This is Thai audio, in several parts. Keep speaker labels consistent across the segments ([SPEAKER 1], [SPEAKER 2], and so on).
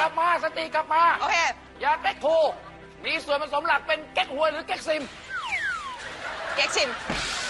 [SPEAKER 1] ลับมาสติกลับมา
[SPEAKER 2] โอเค
[SPEAKER 1] ยาเก๊กทูมีส่วนผสมหลักเป็นเก๊กฮวยหรือเก๊กซิม
[SPEAKER 2] เก๊กซิม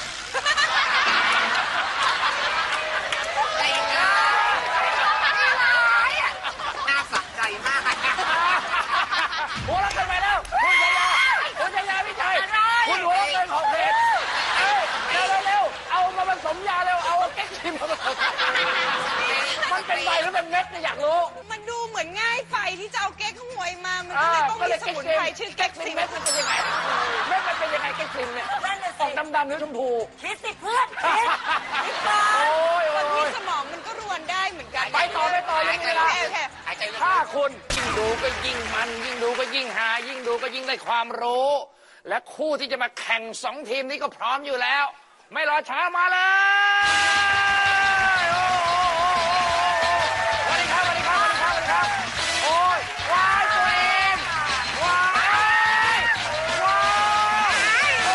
[SPEAKER 3] ใจร้ายน่าสะใจมาก
[SPEAKER 1] หัวเราะกันไปแล้วคุณชายาพี่ชัยคุณหัวเราะเกินขอบเขตเร็วเอามาผสมยาเร็วเอาเก๊กซิมมาผสมมันเป็นใบหรือเป็นเม็ดเนี่ยอยากรู้
[SPEAKER 2] มันดูเหมือนง่ายไปที่จะเอาเก๊กขโมยมามันก็เลยต้องมีสมุนไพรชื่อเก๊กซิม
[SPEAKER 1] เม็ดมันเป็นยังไงเม็ดมันเป็นยังไงเก๊กซิมเนี่ยออกดำๆหรือชมพู
[SPEAKER 3] คิดสิเพื่อนคิด
[SPEAKER 2] คนที่สมองมันก็รวนได้เหมือนกัน
[SPEAKER 1] ไปต่อยังไงล่ะถ้าคุณยิ่งดูก็ยิ่งมันยิ่งดูก็ยิ่งหายิ่งดูก็ยิ่งได้ความรู้และคู่ที่จะมาแข่ง2 ทีมนี้ก็พร้อมอยู่แล้วไม่รอช้ามาเลยสวัสดีครับโอ้ยวายตัวเองวายโอ้โห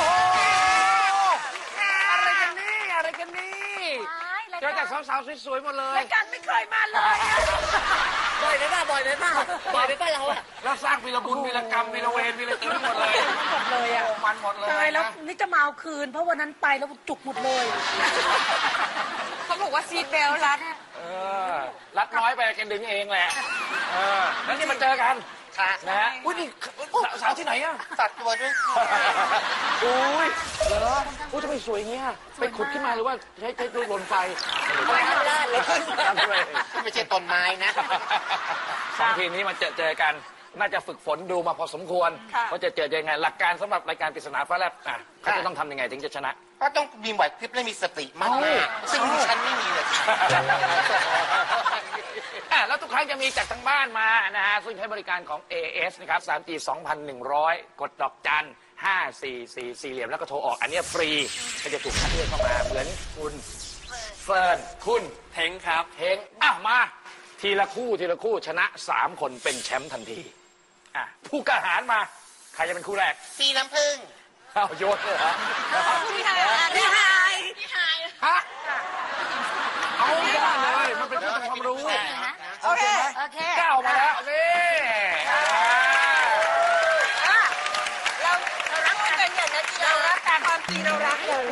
[SPEAKER 1] อะไรกันนี่เจอแต่สาวๆสวยๆหมดเลย
[SPEAKER 3] รายการไม่เคยมาเลยบ่อยไหมป่ะเราอะ
[SPEAKER 1] แล้วสร้างวีรบุญวีรกรรมวีรเวรวีรตึงหมดเลยมันหมดเลย
[SPEAKER 3] ตายแล้วนี่จะมาเอาคืนเพราะวันนั้นไปแล้วจุกหมดเลย
[SPEAKER 2] เขาบอกว่าซีทเบลรัด
[SPEAKER 1] รัดน้อยไปแกดึงเองแหละแล้วนี่มาเจอกันนะฮะอุ้ยนี่สาวที่ไหนอะ
[SPEAKER 3] ตัดตัวด้วย
[SPEAKER 1] อุ้ยเหรออุ้ยทำไมสวยเงี้ยไปขุดขึ้นมาหรือว่าใช้ดูลนไฟ
[SPEAKER 3] ไม่ได้เลย
[SPEAKER 1] ไม่ใช่ต้นไม้นะ2 ทีมนี้มาเจอกันน่าจะฝึกฝนดูมาพอสมควรว่าจะเจอยังไงหลักการสำหรับรายการปริศนาฟ้าแลบเขาจะต้องทำยังไงถึงจะชนะ
[SPEAKER 4] ก็ต้องมีไหวพริบและมีสติมากซึ่งฉันไม่มีเลย
[SPEAKER 1] แล้วทุกครั้งจะมีจากทางบ้านมานะฮะซึ่งใช้บริการของ AS นะครับ 3G 2,100 กดดอกจัน544สี่เหลี่ยมแล้วก็โทรออกอันนี้ฟรีก็จะถูกคัดเลือกเข้ามาเหมือนคุณเฟิร์นคุณ
[SPEAKER 4] เทงครับ
[SPEAKER 1] มาทีละคู่ชนะ3 คนเป็นแชมป์ทันทีผู้กล้าหาญมาใครจะเป็นคู่แรก
[SPEAKER 4] สีน้ำผึ้ง
[SPEAKER 1] โยนเลยเหรอ
[SPEAKER 3] พี่ไฮ
[SPEAKER 1] ฮะเอาได้เลยมันเป็นเรื่องความรู้
[SPEAKER 3] โอเค
[SPEAKER 1] ก้าวมาแล้วนี่
[SPEAKER 3] เรารักกันอย่างนั้นเรารักกัน
[SPEAKER 2] ความจริงเรารักกัน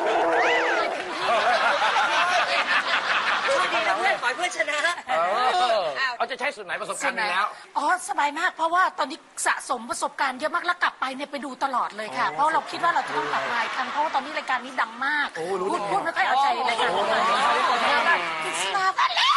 [SPEAKER 3] ดีนะเพื่อนขอให้เพื่อนชนะ
[SPEAKER 1] เขาจะใช้ส่วนไหนประสบการณ์แล้ว
[SPEAKER 3] สบายมากเพราะว่าตอนนี้สะสมประสบการณ์เยอะมากแล้วกลับไปเนี่ยไปดูตลอดเลยค่ะเพราะเราคิดว่าเราจะต้องกลับมาอีกครั้งเพราะว่าตอนนี้รายการนี้ดังมากพูดไม่ค่อยเอาใจรายการพิศนาฟ้าแลบ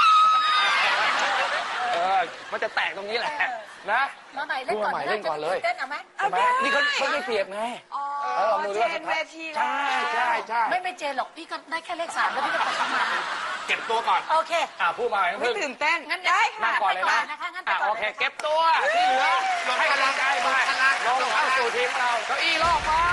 [SPEAKER 1] มันจะแตกตรงนี้แหละนะ
[SPEAKER 3] มาใหม่เล่นก่อน
[SPEAKER 1] เลย
[SPEAKER 3] เต้นเอาไหม
[SPEAKER 1] นี่เขาไม่เปรียบไง
[SPEAKER 2] เจนเวที
[SPEAKER 1] ใช่
[SPEAKER 3] ไม่เจนหรอกพี่ก็ได้แค่เลข 3แล้วพี่ก็ตกมา
[SPEAKER 1] เก็บตัวก่อน
[SPEAKER 3] โอเค
[SPEAKER 1] พูดมา
[SPEAKER 2] ไม่ตื่นเต้น
[SPEAKER 3] งั้นได้
[SPEAKER 1] ค่ะก่อนเลยนะโอเคเก็บตัวที่เหลือให้กำลังใจไปลงเข้าสู่ทีมเราเก้าอี้รอบมา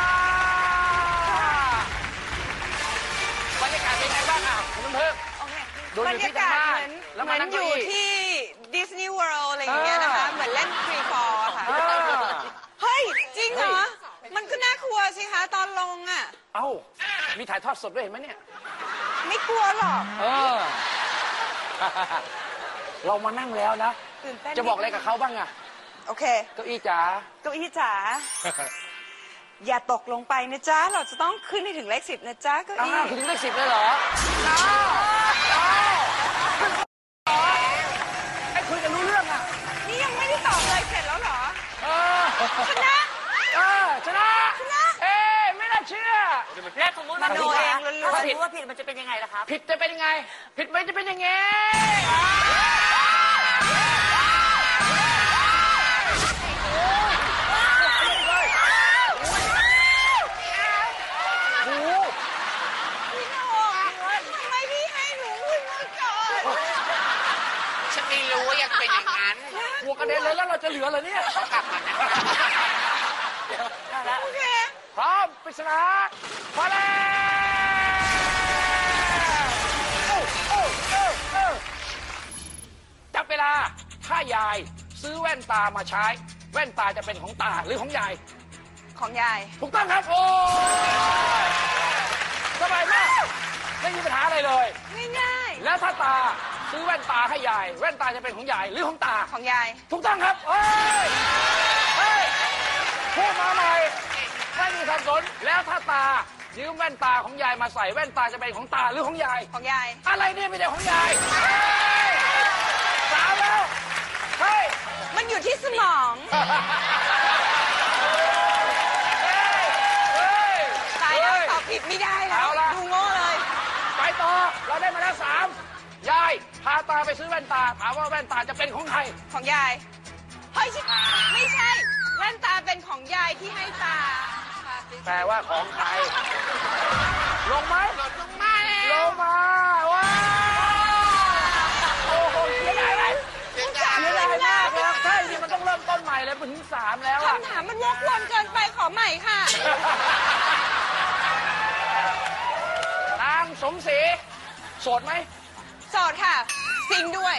[SPEAKER 1] บรรยากาศเป็นไงบ้างคุณเพิ่ม
[SPEAKER 2] บรรยากาศเหมือนอยู่ที่ดิสนีย์เวิลด์อะไรอย่างเงี้ยนะคะเหมือนเล่นฟรีฟอร์ค่ะเฮ้ยจริงเหรอมันก็น่ากลัวสิคะตอนลง
[SPEAKER 1] มีถ่ายทอดสดด้วยเห็นไหมเนี่ย
[SPEAKER 2] ไม่กลัวหรอก
[SPEAKER 1] เรามานั่งแล้วนะจะบอกอะไรกับเขาบ้าง
[SPEAKER 2] โอเค
[SPEAKER 1] เก้าอี้จ๋า
[SPEAKER 2] อย่าตกลงไปนะจ๊ะเราจะต้องขึ้นให้ถึงเลข 10นะจ๊ะเก้าอี้
[SPEAKER 1] ถึงเลข 10เลยเหรอไอ้คุยกันรู้เรื่อง
[SPEAKER 2] นี่ยังไม่ได้ตอบเลยเสร็จแล้วเหรอชนะ
[SPEAKER 1] ไม่น่าเชื่อ
[SPEAKER 3] แล้วสมมติมันโดนเองถ้าสมมติว่าผิดมันจะเป็นยังไงล่ะครับ
[SPEAKER 1] ผิดจะเป็นยังไงผิดไม่จะเป็นยังไง
[SPEAKER 4] ฉันไม่รู้ว่ายังเป็นอย่างนั้น
[SPEAKER 1] หัวกระเด็นเลยแล้วเราจะเหลือเหรอเนี่ย
[SPEAKER 2] โอเค
[SPEAKER 1] พร้อมปริศนามาแล้วจับเวลาถ้ายายซื้อแว่นตามาใช้แว่นตาจะเป็นของตาหรือของยาย
[SPEAKER 2] ของยาย
[SPEAKER 1] ถูกต้องครับโอ้สบายมากไม่มีปัญหาอะไรเลย
[SPEAKER 2] ง่าย
[SPEAKER 1] แล้วถ้าตาซื้อแว่นตาให้ยายแว่นตาจะเป็นของยายหรือของตา
[SPEAKER 2] ของยาย
[SPEAKER 1] ถูกต้องครับเฮ้ยเฮ้ยพูดมาใหม่ไม่มีสับสนแล้วถ้าตายืมแว่นตาของยายมาใส่แว่นตาจะเป็นของตาหรือของยาย
[SPEAKER 2] ของยาย
[SPEAKER 1] อะไรเนี่ยไม่ใช่ของยายเฮ้ยสามแล้วเฮ้ย
[SPEAKER 2] มันอยู่ที่สมอง
[SPEAKER 1] เฮ้ย
[SPEAKER 2] ตายแล้วตอบผิดไม่ได้แล้ว
[SPEAKER 1] เอาละ
[SPEAKER 2] ดูโง่เลย
[SPEAKER 1] ไปต่อเราได้มาแล้วสามยายพาตาไปซื้อแว่นตาถามว่าแว่นตาจะเป็นของใคร
[SPEAKER 2] ของยายเฮ้ยไม่ใช่แว่นตาเป็นของยายที่ให้ตา
[SPEAKER 1] แปลว่าของใครลงไหม
[SPEAKER 2] ลงมาแล้ว
[SPEAKER 1] ลงมาว้าวโอ้โหเสียดายไหมเสียดายมากเลยใช่นี่มันต้องเริ่มต้นใหม่เลยเป็นถึงสามแล้วอะ
[SPEAKER 2] คำถามมันวกวนเกินไปขอใหม่ค่ะ
[SPEAKER 1] นางสมศรีโสดไหม
[SPEAKER 2] โสดค่ะซิงด้วย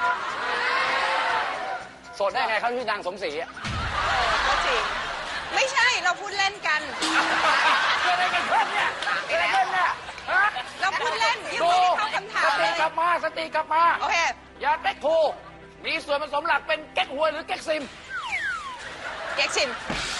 [SPEAKER 1] โสดได้ไงเขาชื่อนางสมศรีอะ
[SPEAKER 2] ก็จริงไม่ใช่เราพูดเล่นกัน
[SPEAKER 1] เกิดอะไรกันขึ้นเนี่ยเกิดอะไรขึ้นเนี่ยฮะ
[SPEAKER 2] เราพูดเล่นยัง
[SPEAKER 1] ดู
[SPEAKER 2] ไม่ได้เข้าคำถาม
[SPEAKER 1] ส
[SPEAKER 2] เล
[SPEAKER 1] ติ
[SPEAKER 2] ย
[SPEAKER 1] กลับมาสติกลับมา
[SPEAKER 2] โอเค
[SPEAKER 1] ยาเก๊กทูมีส่วนผสมหลักเป็นเก๊กฮวยหรือเก๊กซิม
[SPEAKER 2] เก๊กชิม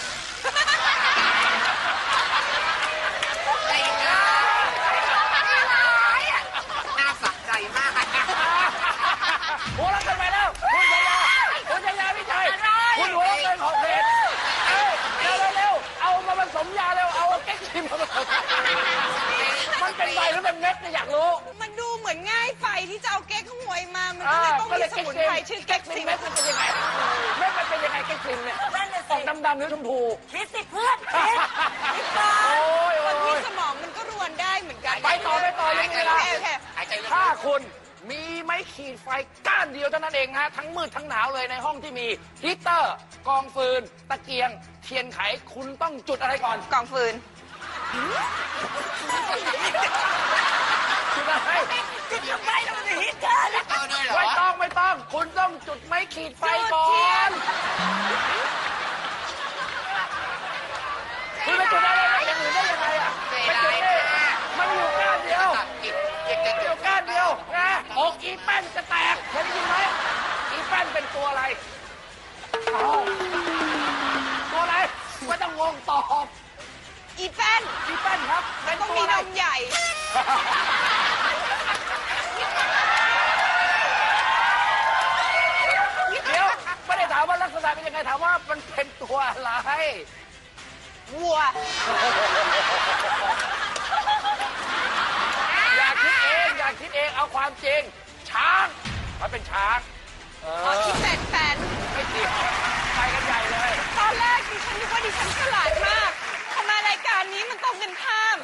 [SPEAKER 4] น่าสะใจมาก
[SPEAKER 1] หัวเราะกันไปแล้วคุณชายาคุณชายาพี่ชัยคุณหัวเราะเกินขอบเขตเร็วเอามาผสมยาเร็วเอาเก๊กซิมมาผสมมันเป็นใบหรือเป็นเม็ดเนี่ยอยากรู้
[SPEAKER 2] มันดูเหมือนง่ายไปที่จะเอาเก๊กขโมยมา มันก็เลยต้องมีสมุนไพรชื่อเก๊กซิม
[SPEAKER 1] เม็ดมันเป็นยังไงเม็ดมันเป็นยังไงเก๊กซิมเนี่ยออกดำๆหรือชมพู
[SPEAKER 3] คิดสิเพื่อนคิด
[SPEAKER 1] โอ้ย
[SPEAKER 2] บางที
[SPEAKER 1] โอ้ย
[SPEAKER 2] สมองมันก็รวนได้เหมือนกัน
[SPEAKER 1] ไปต่อยังมีเวลา
[SPEAKER 2] โอเค
[SPEAKER 1] ถ้าคุณมีไม้ขีดไฟก้านเดียวเท่านั้นเองฮะทั้งมืดทั้งหนาวเลยในห้องที่มีฮีตเตอร์กองฟืน ตะเกียง เทียนไขคุณต้องจุดอะไรก่อน
[SPEAKER 2] กองฟืน
[SPEAKER 1] จุดอะไร
[SPEAKER 3] จุดทำไมเราไม่ฮิตเธอแล้ว
[SPEAKER 1] ไม่ต้องคุณต้องจุดไม้ขีดไฟก่อ
[SPEAKER 2] จุดเทีย
[SPEAKER 1] น
[SPEAKER 2] น
[SPEAKER 1] คุณไปจุดอะไรอย่างอื่นได้ยังไงอ่ะไม่จุดนี่มันอยู่ก้านเดียวอยู่ก้านเดียวนะอกอีแป้นจะแตกเคยได้ยินไหมอีแป้นเป็นตัวอะไรอ้าวตัวอะไรไม่ต้องงงตอบ
[SPEAKER 2] อีแป้น
[SPEAKER 1] อีแป้นครับเป็น
[SPEAKER 2] ต้อง
[SPEAKER 1] ตัว
[SPEAKER 2] มี
[SPEAKER 1] อะไร
[SPEAKER 2] นมใหญ่
[SPEAKER 1] เดี๋ยวไม่ได้ถามว่าลักษณะเป็นยังไงถามว่ามันเป็นตัวอะไร
[SPEAKER 2] วัว
[SPEAKER 1] อย่าคิดเองเอาความจริงช้างมันเป็นช้าง
[SPEAKER 2] อ๋ออีแป้นแป้น
[SPEAKER 1] ไม่เกี่ยวไปกันใหญ่เลย
[SPEAKER 2] ตอนแรกดิฉันนึกว่าดิฉันฉลาดมากทำไมรายการนี้มันตรงกันข้าม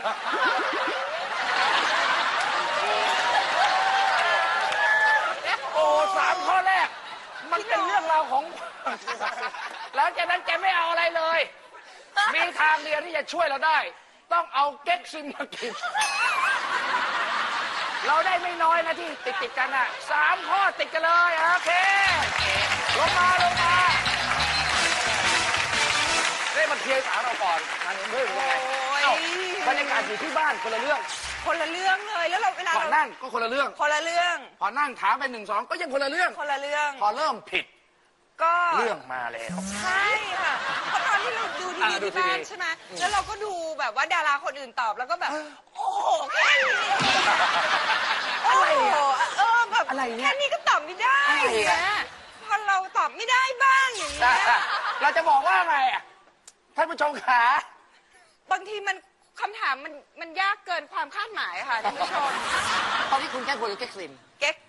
[SPEAKER 1] โอ้สามข้อแรก มันเป็นเรื่องราวของ แล้วจากนั้นแกไม่เอาอะไรเลย มีทางเดียวที่จะช่วยเราได้ ต้องเอาเก๊กซิมมากิน เราได้ไม่น้อยนะที่ติดกันอ่ะ3 ข้อติดกันเลยโอเคลงมาได้มาเคลียร์สาวเราก่อนงานเรื่องยังไง
[SPEAKER 2] โอ้ย
[SPEAKER 1] บรรยากาศอยู่ที่บ้านคนละเรื่อง
[SPEAKER 2] คนละเรื่องเลยแล้วเราเวลา
[SPEAKER 1] ก่อน
[SPEAKER 2] เรา
[SPEAKER 1] นั่งก็คนละเรื่อง
[SPEAKER 2] คนละเรื่อง
[SPEAKER 1] พอนั่งถามไป1 2ก็ยังคนละเรื่อง
[SPEAKER 2] คนละเรื่อง
[SPEAKER 1] พอเริ่มผิด
[SPEAKER 2] ก็
[SPEAKER 1] เรื่องมาแล้ว
[SPEAKER 2] ใช่ค่ะเพราะตอนที่เราดูทีวี
[SPEAKER 1] ดู
[SPEAKER 2] ที่
[SPEAKER 1] ทีวี
[SPEAKER 2] บ้านใช่ไหมแล้วเราก็ดูแบบว่าดาราคนอื่นตอบแล้วก็แบบ โอ้โหแค่นี้โอ้โหแบบ
[SPEAKER 1] อะไรเนี่ย
[SPEAKER 2] แค่นี้ก็ตอบไม่ได้
[SPEAKER 1] อะไร
[SPEAKER 2] อย่าง
[SPEAKER 1] อ่ะ
[SPEAKER 2] เงี้ยพอเราตอบไม่ได้บ้างอย่างเงี้ย
[SPEAKER 1] เราจะบอกว่าไงอ่ะท่านผู้ชมขา
[SPEAKER 2] บางทีมันคำถามมันยากเกินความคาดหมายค่ะท่านผู้ชม
[SPEAKER 1] ตอนนี้คุณแก้คนหรือแก้ซิม
[SPEAKER 2] เก๊ก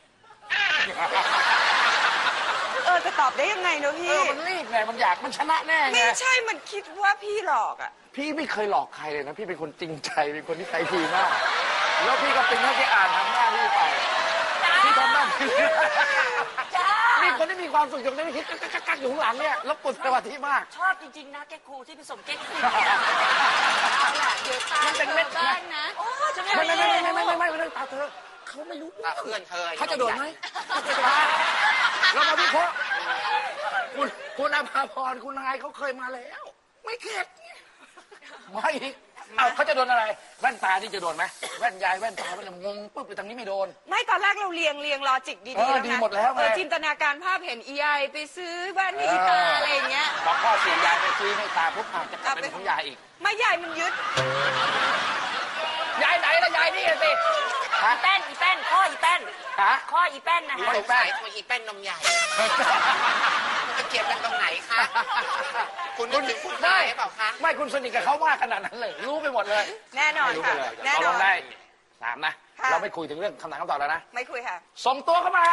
[SPEAKER 2] จะตอบได้ยังไงเนอะพี่
[SPEAKER 1] มันรีบไงมันอยากมันชนะแน่ไง
[SPEAKER 2] ไม่ใช่มันคิดว่าพี่หลอกอ่ะ
[SPEAKER 1] พี่ไม่เคยหลอกใครเลยนะพี่เป็นคนจริงใจเป็นคนที่ใจดีมาก แล้วพี่ก็เป็นแค่ที่อ่านทำหน้าที่ไปพี่ทำหน้าที่มีคนที่มีความสุขอยู่ในที่กักอยู่ข้างหลังเนี่ยแล้วปวดสมาธิมาก
[SPEAKER 3] ชอบจริงๆนะแกครูที่ผสมเก๊กซิมเอาล่ะเดี๋ยวตา
[SPEAKER 1] มันเป็นเม็ด
[SPEAKER 3] บ้างนะโอ้จะไม่
[SPEAKER 1] ไม่ตาเธอเขาไม่รู้
[SPEAKER 4] เพื่อนเธอ
[SPEAKER 1] เขาจะโดนไหมเรามาวิเคราะห์คุณอภาพรคุณนายเขาเคยมาแล้ว ไม่เข็ดไม่เอาเขาจะโดนอะไรแว่นตาที่จะโดนไหมแว่นยายแว่นตามันงงปุ๊บไปทางนี้ไม่โดน
[SPEAKER 2] ไม่ตอนแรกเราเรียงลอจิกดีๆแล้วนะ
[SPEAKER 1] ดีหมดแล้วไง
[SPEAKER 2] จินตนาการภาพเห็นอีไอไปซื้อแว่นให้อีตาอะไรอย่างเงี้ย
[SPEAKER 1] พอพ่อเสียยายไปซื้อให้ตาปุ๊บอาจจะกลับเป็นของยายอีก
[SPEAKER 2] ไม่ใหญ่มันยึด
[SPEAKER 1] ยายไหนล่ะยายนี่สิ
[SPEAKER 3] อีแป้นข้ออีแป้น
[SPEAKER 1] ฮะ
[SPEAKER 3] ข้ออีแป้นนะ
[SPEAKER 4] ส
[SPEAKER 3] คะ
[SPEAKER 4] งสัยทำไมอีแป้นนมใหญ่ มันจะเกี่ยวกันตรงไหนคะ คุณนึกถึงคุณนายหรือเปล่าคะ
[SPEAKER 1] ไม่คุณสนิทกับเขามากขนาดนั้นเลย รู้ไปหมดเลย
[SPEAKER 2] แน่นอน
[SPEAKER 1] รู้ไป
[SPEAKER 2] ค่ะ
[SPEAKER 1] เลย
[SPEAKER 2] แน่
[SPEAKER 1] เรา
[SPEAKER 2] น
[SPEAKER 1] ล
[SPEAKER 2] อง น
[SPEAKER 1] ได้3นะ
[SPEAKER 2] ค่ะ
[SPEAKER 1] เราไม่คุยถึงเรื่องคำถามคำตอบแล้วนะ
[SPEAKER 2] ไม่คุยค่ะ
[SPEAKER 1] ส่งตัวเข้ามา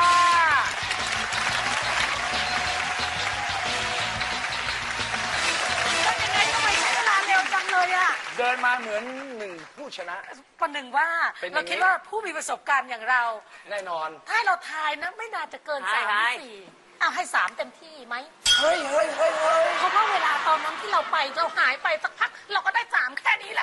[SPEAKER 3] ยังไงทำไมใช้เวลาเร็วจังเลยอะ
[SPEAKER 1] เดินมาเหมือนหนึ่งผู้ชนะ
[SPEAKER 3] ประหนึ่งว่า
[SPEAKER 1] เป็นอย่างนี้
[SPEAKER 3] เราคิดว่าผู้มีประสบการณ์อย่างเรา
[SPEAKER 1] แน่นอน
[SPEAKER 3] ถ้าเราทายนะไม่น่าจะเกิน
[SPEAKER 1] ใช่
[SPEAKER 3] 3
[SPEAKER 1] ใช่
[SPEAKER 3] หรือ4เอาให้ 3 เต็มที่ไหม
[SPEAKER 1] เฮ้ย
[SPEAKER 3] เพราะว่าเวลาตอนนั้นที่เราไปเราหายไปสักพักเราก็ได้ 3 แค่นี้แหละ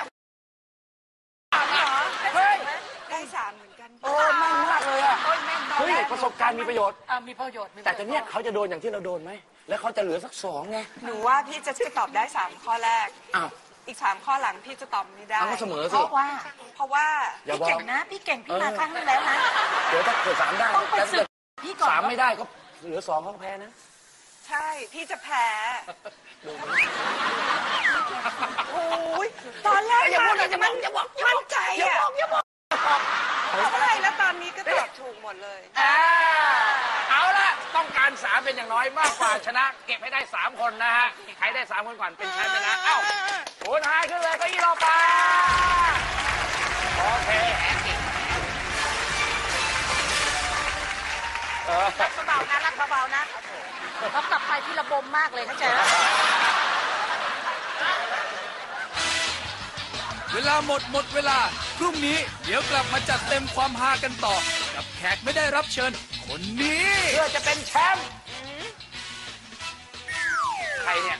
[SPEAKER 1] เฮ้ย
[SPEAKER 2] ได้3เหมือนกัน
[SPEAKER 1] โอ้แม่นมากเลยอะ
[SPEAKER 3] โอ้ยแม่นตอน
[SPEAKER 1] เฮ้ย
[SPEAKER 3] แรก
[SPEAKER 1] ประสบการณ์มีประโยชน์
[SPEAKER 3] มีประโยชน์มีประโยชน์
[SPEAKER 1] แต่ตอนเนี้ยเขาจะโดนอย่างที่เราโดนไหม แล้วเขาจะเหลือสัก2ไง
[SPEAKER 2] หนูว่าพี่จะตอบได้3ข้อแรก
[SPEAKER 1] อ้าว
[SPEAKER 2] อีก3ข้อหลังพี่จะตอบไม่ได้
[SPEAKER 1] เอาก็เสมอ
[SPEAKER 3] เพ
[SPEAKER 1] สิ
[SPEAKER 3] ราะว่า
[SPEAKER 2] เพราะว่า
[SPEAKER 1] อย่า
[SPEAKER 3] พี่
[SPEAKER 1] บอก
[SPEAKER 3] เก่งนะพี่เก่งพี่มาครั้งนึงแล้วนะ
[SPEAKER 1] เดี๋ยวถ้าเกิด3ได้
[SPEAKER 3] ต้องไป
[SPEAKER 1] แล้ว
[SPEAKER 3] ศึกพี่ก่อน
[SPEAKER 1] 3ไม่ได้ก็เหลือ2เขาก็แพ้นะ
[SPEAKER 2] ใช่พี่จะแพ้ โอ้ยตอนแรก
[SPEAKER 1] อย่าพูด
[SPEAKER 2] มา
[SPEAKER 1] นะอย่าบอกอย่าบอก
[SPEAKER 2] มั่นใจ
[SPEAKER 1] อย่า
[SPEAKER 2] อะ
[SPEAKER 1] บอกอย่าบอก
[SPEAKER 2] ใช่แล้วตอนนี้ก็ตอบถูกหมดเลย
[SPEAKER 1] เอาละต้องการ3เป็นอย่างน้อยมากกว่าชนะ เก็บให้ได้3คนนะฮะใครได้3คนก่อนเป็นแชมป์ไปนะเอ้าคุณหายขึ้นเลยก็ยี่รอไปโอเค
[SPEAKER 3] รักเบาๆนะรักเบาๆนะเรากลับไปที่ระบมมากเลยเข้าใจไหม
[SPEAKER 5] เวลาหมดเวลา พรุ่งนี้เดี๋ยวกลับมาจัดเต็มความฮากันต่อ กับแขกไม่ได้รับเชิญ คนนี้
[SPEAKER 1] เพื่อจะเป็นแชมป์ใครเนี่ย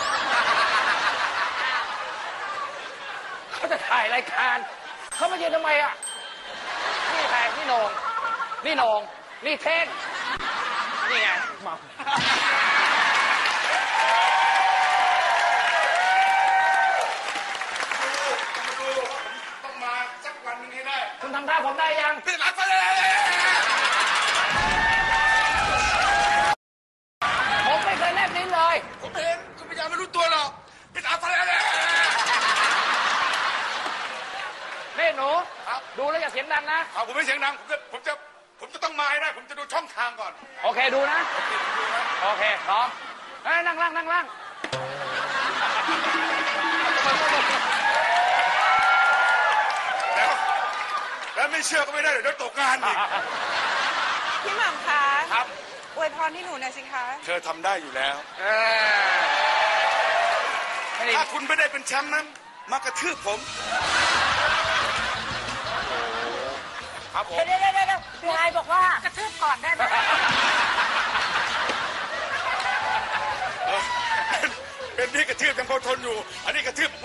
[SPEAKER 1] เขาจะถ่ายรายการเขามาเยืนทำไมอ่ะนี่ใครนี่โหนงนี่โหนงนี่เท่งนี่ไงเมา
[SPEAKER 6] ต้องมาสักวันหนึงให้ได้
[SPEAKER 1] คุณทำท่าผมได้ยัง
[SPEAKER 6] พี่รักไปเลย
[SPEAKER 1] ผมไม่เคยแลบลิ้นเลย
[SPEAKER 6] ผมเห็นคุณพยายามไม่รู้ตัวหรอกพี่รักไปเลย
[SPEAKER 1] นี่หนูดูแล้วอย่าเสียงดังนะ
[SPEAKER 6] เอาผมไม่เสียงดังผมจะต้องมาให้ได้ ผมจะดูช่องทางก่อน
[SPEAKER 1] โอเคดูนะ โอเคพร้อมเฮ้ยนั่งล่างนั่งล่าง
[SPEAKER 6] แล้วไม่เชื่อก็ไม่ได้เดี๋ยวตกงานอีก
[SPEAKER 2] พี่หม่ำคะ
[SPEAKER 6] ครับ
[SPEAKER 2] อวยพรให้หนูหน่อยสิคะ
[SPEAKER 6] เธอทำได้อยู่แล้ว
[SPEAKER 1] ไม่ได้
[SPEAKER 6] ถ้าคุณไม่ได้เป็นแชมป์นั้นมากระทืบผม ครับผม
[SPEAKER 3] เดี๋ยวพี่ไฮบอกว่ากระทืบก่อนได้ไหม
[SPEAKER 6] เป็นนี่กระทืบยังพอทนอยู่ อันนี้กระทืบ